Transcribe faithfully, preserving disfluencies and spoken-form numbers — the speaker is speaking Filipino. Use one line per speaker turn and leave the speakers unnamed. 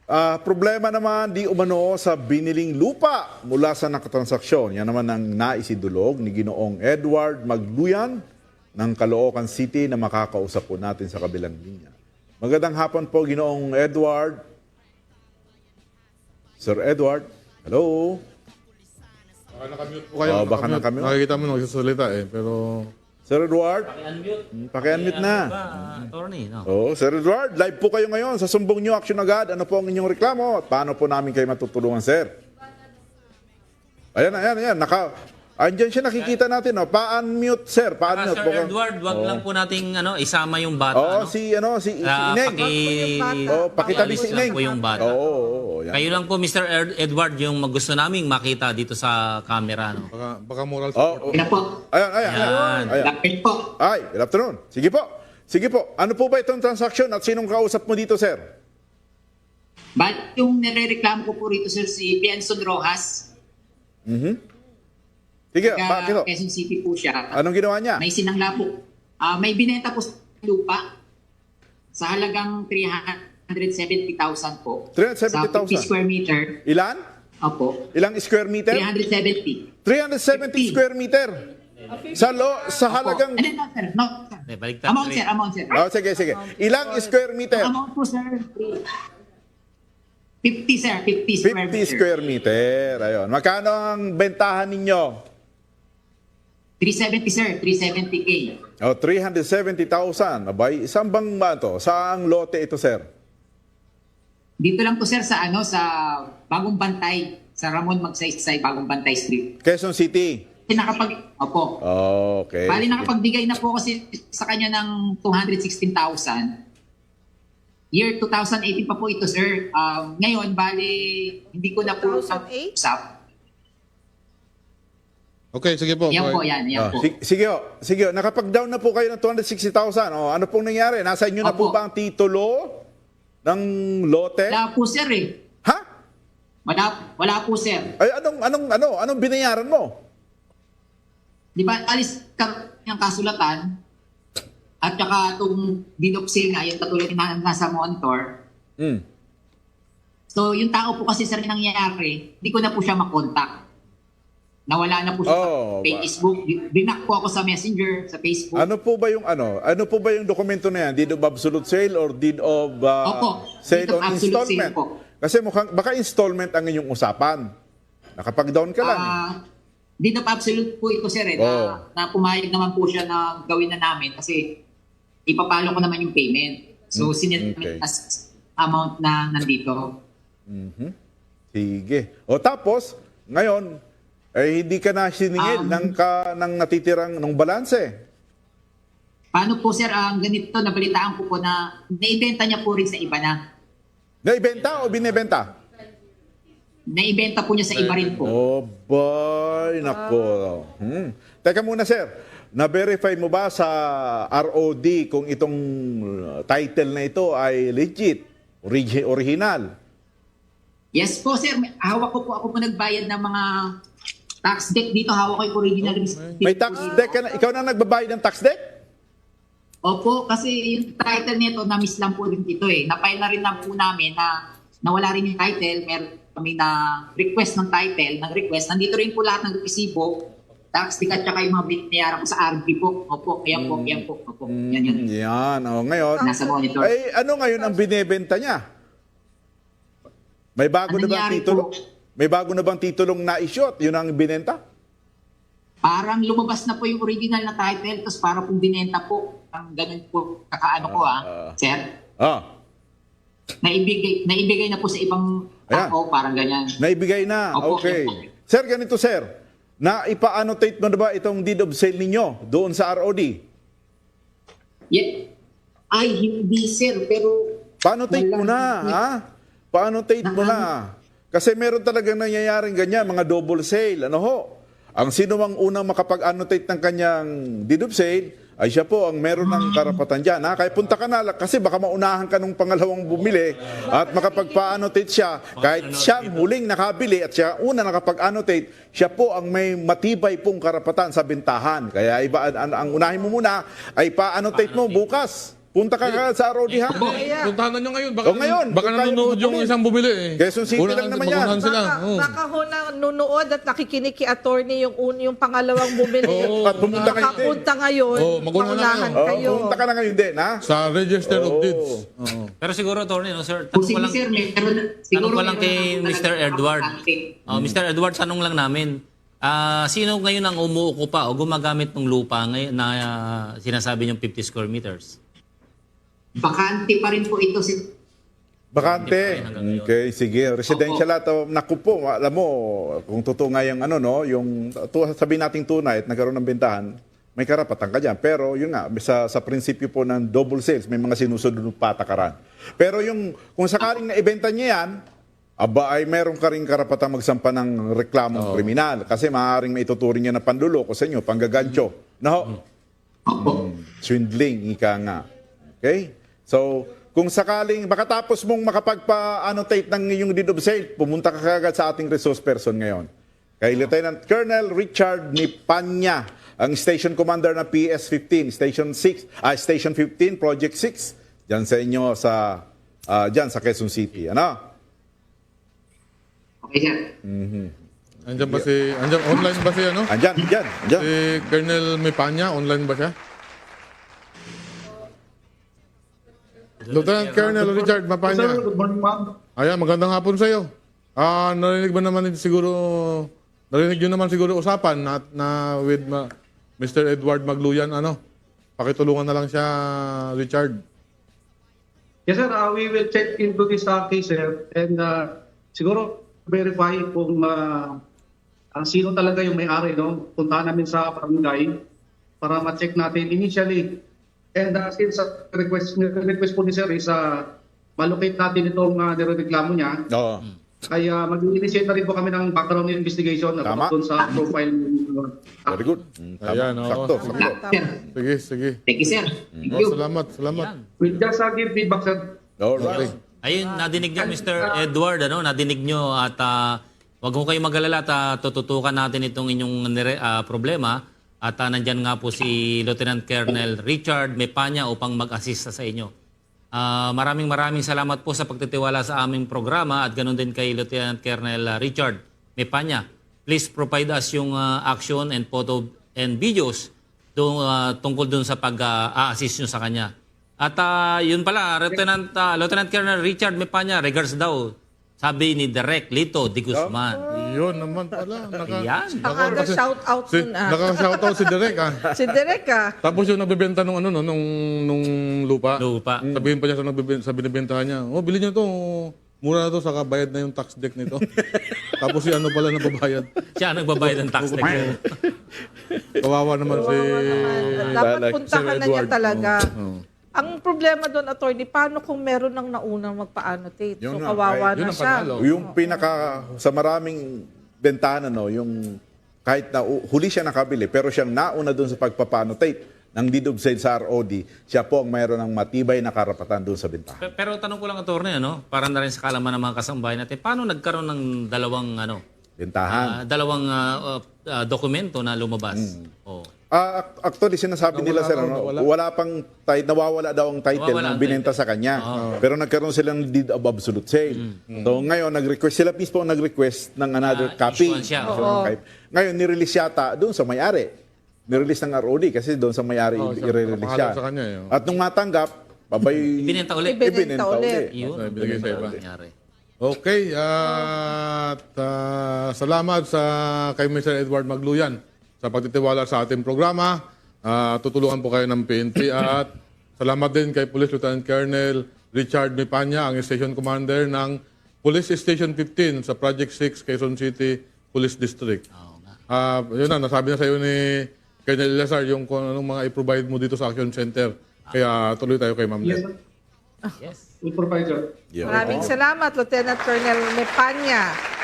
Ah, problema naman di umano sa biniling lupa mula sa nakatransaksyon. Yan naman ang naisidulog ni Ginoong Edward Magluyan ng Caloocan City na makakausap po natin sa kabilang linya. Magandang hapon po, Ginoong Edward. Sir Edward, hello?
Baka nakamute po kayo.
Oh, baka
nakamute.
nakamute.
Nakikita mo nagsasalita eh, pero...
Sir Edward?
Paki-unmute.
Hmm, Paki-unmute na.
Ah, attorney, no?
Oh, Sir Edward, live po kayo ngayon sa Sumbong New Action Agad. Ano po ang inyong reklamo? At paano po namin kayo matutulungan, sir? Ayan, ayan, ayan. Naka, andyan siya, nakikita natin. Oh. Pa-unmute, sir.
Ah,
Pa-unmute.
Sir
Baka-
Edward, wag lang po nating ano, isama yung bata.
Oo,
ano?
si, ano, si, si
Ah,
Ineng.
paki...
Oh, pakitabi si
Alis lang
Ineng.
po yung bata.
Oo, oo, oo, yan.
Kayo lang po, Mister Ed- Edward, yung gusto naming makita dito sa camera. No?
Baka, baka moral
Oh,
support.
oh.
Yan po.
Ayan, ayan, ayan.
Yan.
ayan.
Lapit po.
Ay, good afternoon. Sige po. Sige po. Ano po ba itong transaction at sinong kausap mo dito, sir?
Ba't yung nirereklamo ko po rito, sir, si Bianson Rojas,
Mhm. Sige, bakit
taga
po?
Quezon City po siya.
Anong ginawa niya?
May sinangla po. Ah, may binenta po sa lupa sa halagang three hundred seventy thousand po.
three hundred seventy thousand?
Sa fifty square meter.
Ilan?
Opo.
Ilang square meter?
three hundred seventy.
three hundred seventy
fifty.
square meter. Sa lo, sa halagang...
Ano na, sir? No, sir.
Eh, baliktad.
Amount, sir. Amount, sir.
Oh, sige, sige. Ilang square meter?
Amount po, sir. fifty, sir. fifty square
fifty
meter.
square meter. Ayun. Magkano ang bentahan ninyo?
three seventy, sir. three seventy K.
Oh, three hundred seventy thousand. Abay, isang bang ba ito? Saang lote ito, sir?
Dito lang po, sir, sa ano, sa Bagong Bantay. Sa Ramon Magsaysay, Bagong Bantay Street.
Quezon City.
Kasi nakapag... Opo.
Oh, okay.
Bali,
Sige.
nakapagbigay na po kasi sa kanya ng two hundred sixteen thousand. Year two thousand eighteen pa po ito, sir. Um, ngayon, bali, hindi ko na po
two thousand eight?
usap.
Okay, sige po.
Yan
okay.
po, yan, yan
Oh,
po.
sige, sige, oh. sige. oh. Nakapag-down na po kayo ng two hundred sixty thousand. Oh, ano pong nangyari? Nasa inyo na po
Opo.
ba ang titulo ng lote?
Wala po, sir, eh.
Ha?
Wala, wala po, sir.
Ay, anong, anong, ano, anong binayaran mo?
Di ba, alis ka ng kasulatan at saka itong dinopsil nga, yung katulad na nasa monitor.
Hmm.
So, yung tao po kasi, sir, yung nangyayari, hindi ko na po siya makontak. Nawala na po siya
Oh,
sa Facebook. Binak po ako sa Messenger, sa Facebook.
Ano po ba yung ano? Ano po ba yung dokumento na yan? Deed of absolute sale or deed of uh,
Opo,
sale
deed of
on
absolute
installment?
sale po.
Kasi mukhang baka installment ang inyong usapan. Nakapag-down ka lang. eh.
Ah, deed of absolute po ito, sir, eh,
Oh.
na, na pumayag naman po siya na gawin na namin kasi ipapalo ko naman yung payment. So,
Mm,
sinit
okay.
as amount na nandito.
Mhm. Sige. O tapos, ngayon, eh, hindi ka na siningil
Um,
ng, ka, ng natitirang ng balanse.
Paano po, sir, ang ganito, nabalitaan ko po na naibenta niya po rin sa iba na.
Naibenta o binibenta?
Naibenta po niya sa iba rin po.
Oh, boy, nako. Hmm. Teka muna, sir. Na-verify mo ba sa R O D kung itong uh, title na ito ay legit, origi- original?
Yes po, sir. May- Hawak ko po, ako po nagbayad ng mga tax deck dito. Hawak ko yung original receipt.
May tax deck ka na? Ikaw na nagbabayad ng tax deck?
Opo, kasi yung title nito, na-miss lang po rin ito eh. Napile na rin lang po namin na nawala rin yung title. Meron kami na request ng title, ng request. Nandito rin po lahat ng resibo, tax deck at saka yung mga binayaran ko sa R B po. Opo, yan po, yan po. Opo, yan yan.
Yan. O, ngayon,
Nasa monitor.
ay ano ngayon ang binebenta niya? May bago
Ano
na bang
nangyari
titulo?
po?
May bago na bang titulong na-issue at yun ang binenta?
Parang lumabas na po yung original na title, tapos para pong binenta po. Ang ganun po, kakaano ko ah,
Ah.
sir.
Ah,
Naibigay, naibigay na po sa ibang
Ayan.
tao, parang ganyan.
naibigay na.
Opo,
Okay.
opo.
Sir, ganito sir. Na ipa-annotate mo na ba itong deed of sale ninyo doon sa R O D?
Yeah. Ay, hindi sir, pero...
Pa-annotate mo na,
Wala.
ha? Pa-annotate mo na. Kasi meron talagang nangyayaring ganyan, mga double sale. Ano ho? Ang sino mang unang makapag-annotate ng kanyang deed of sale, ay siya po ang meron ng karapatan dyan. Ha? Kaya punta ka na, kasi baka maunahan ka nung pangalawang bumili at makapagpa-annotate siya. Kahit siya ang huling nakabili at siya una nakapag-annotate, siya po ang may matibay pong karapatan sa bintahan. Kaya iba, ang, ang unahin mo muna ay pa-annotate mo bukas. Punta ka ka sa R O D ha.
Eh, puntahan na nyo ngayon. Baka,
O, ngayon,
baka
kung kaya
nanonood
mo
yung
bumili.
isang bumili eh.
Quezon City
Unahan-
lang naman yan.
magunahan sila.
Baka,
Oo.
baka ho na nunood at nakikinig kay attorney yung, un, yung pangalawang bumili.
Oo.
At pumunta kayo din.
Makapunta ngayon.
Oo, magunahan na
maunahan
Oh,
kayo.
pumunta ka na ngayon din ha.
Sa Register of
Oo.
Deeds. Oo.
Pero siguro, attorney, no, sir,
Kung
tanong ko
sige
lang,
sir, meron,
tanong
siguro
ko lang
meron
kay
na-
Mister
talagang
Edward.
update.
Oh, Mister Edward, tanong lang namin. Ah, sino ngayon ang umuukupa o gumagamit ng lupa ngayon na ah, sinasabi niyong fifty square meters?
Bakante pa rin po ito si
Bakante. Okay, sige. Residential at uh, naku po, alam mo, kung totoo nga yung ano, no, yung tu- sabihin nating tunay at nagkaroon ng bentahan, may karapatan ka dyan. Pero yun nga, sa, sa prinsipyo po ng double sales, may mga sinusunod ng patakaran. Pero yung, kung sakaling naibenta niya yan, aba ay meron ka rin karapatan magsampa ng reklamong kriminal kasi maaaring maituturing niya na panluloko sa inyo, panggagancho. No?
Opo.
Swindling, ika nga. Okay? So, kung sakaling makatapos mong makapagpa-annotate ng iyong deed of sale, pumunta ka kagad sa ating resource person ngayon. Kay Lieutenant Colonel Richard Nipanya, ang Station Commander ng P S fifteen, Station six, ah, Station fifteen, Project six, diyan sa inyo sa ah, diyan sa Quezon City. Ano?
Okay sir.
Andiyan ba si... Andiyan, online ba si ano?
Andyan, andyan, andyan.
Si Colonel Mipanya, online ba siya? Lieutenant Colonel Richard Mapanya.
Sir, good morning, ma'am.
Ayan, magandang hapon sa iyo. Ah, narinig ba naman siguro, narinig nyo naman siguro usapan na, na with ma, Mister Edward Magluyan, ano? Pakitulungan na lang siya, Richard.
Yes, sir. Uh, we will check into this uh, case, sir. And uh, siguro verify kung uh, ang sino talaga yung may-ari, no? Puntahan namin sa barangay para ma-check natin initially. And uh, since uh, request, request po ni sir is uh, malocate natin itong uh, nireklamo niya,
Oo.
ay uh, mag-initiate na rin po kami ng background investigation
Tama.
about dun sa profile. Uh,
Very good. Mm, tama.
Ayan, oo.
Sakto, sakto.
Sir,
Sige, sige.
thank you sir. Thank
Oh,
you.
salamat, salamat.
we'll just uh, give feedback, sir.
Alright.
Ayun, nadinig niyo, Mister Edward, ano, nadinig niyo at ah, wag mo kayong mag-alala at ah, tututukan natin itong inyong nire- ah, problema at ah, nandyan nga po si Lieutenant Colonel Richard Mepanya upang mag-assist sa inyo. Ah, maraming maraming salamat po sa pagtitiwala sa aming programa at ganoon din kay Lieutenant Colonel ah, Richard Mepanya. Please provide us yung ah, action and photo and videos tung, ah, tungkol dun sa pag-assist nyo sa kanya. At ah, yun pala, Lieutenant, ah, Lieutenant Colonel Richard Mepanya, regards daw, sabi ni Direk Lito Di Guzman.
Yun naman pala. Naka,
Ayan.
Naka shout out
si,
nun ah.
naka-shoutout si Derek, ah.
Si Derek ah.
Tapos yung nagbebenta nung ano no, nung nung lupa.
Lupa.
Sabihin pa niya sa nagbebenta, sa binibentahan niya, "Oh, bilhin niyo to. Mura na to saka bayad na yung tax deck nito." Tapos si ano pala nababayad.
Siya ang nagbabayad ng tax deck.
Kawawa naman si
Dapat
like
puntahan
Sir
na niya
Edward.
talaga.
Oo.
Ang problema doon, attorney, paano kung meron ng naunang magpa-annotate? So,
Yun nga,
kawawa
yun
na
ang
siya.
panalo.
Yung pinaka sa maraming bentana no, yung kahit na u- huli siya nakabili pero siyang nauna doon sa pagpapanotate ng deed of sale sa R O D, siya po ang mayroon ng matibay na karapatan doon sa bentahan.
Pe- Pero tanong ko lang, attorney, ano, para na rin sa kalaman ng mga kasambahay natin, paano nagkaroon ng dalawang, ano,
Bentahan.
ah, dalawang ah, ah, ah, dokumento na lumabas? Oh.
Ah, ac- actually sinasabi nila
Nawala
sir,
raw,
ano,
nawala.
wala pang tit- nawawala daw ang title
Nawawala
ng
ang
binenta
title.
sa kanya. Pero nagkaroon sila ng deed of absolute sale. So ngayon nag-request sila mismo ang nag-request ng another
Ah,
copy.
issuance siya.
So,
Oo.
kahit- Ngayon nirelease yata doon sa may-ari. Nirelease ng R O D kasi doon sa may-ari
Oo, siya,
i-release
nakapangalan
siya.
sa kanya, eh, oh.
At nung matanggap, babay
Ibinenta ulit.
Ibinenta
ibinenta
ulit.
ulit.
Yun.
Ay, binigay sa iba.
Nangyari.
Okay, at ah, salamat sa kay Mister Edward Magluyan sa pagtitiwala sa ating programa. Ah, tutulungan po kayo ng P N P at salamat din kay Police Lieutenant Colonel Richard Mipanya, ang Station Commander ng Police Station fifteen sa Project six, Quezon City Police District.
Oo nga.
Ah, yun na, nasabi na sa iyo ni Colonel Lazar yung kung anong mga i-provide mo dito sa Action Center. Kaya tuloy tayo kay Ma'am
Yes,
Len.
sir.
Yes.
We provide, sir.
Yeah.
Maraming salamat, Lieutenant Colonel Mepanya.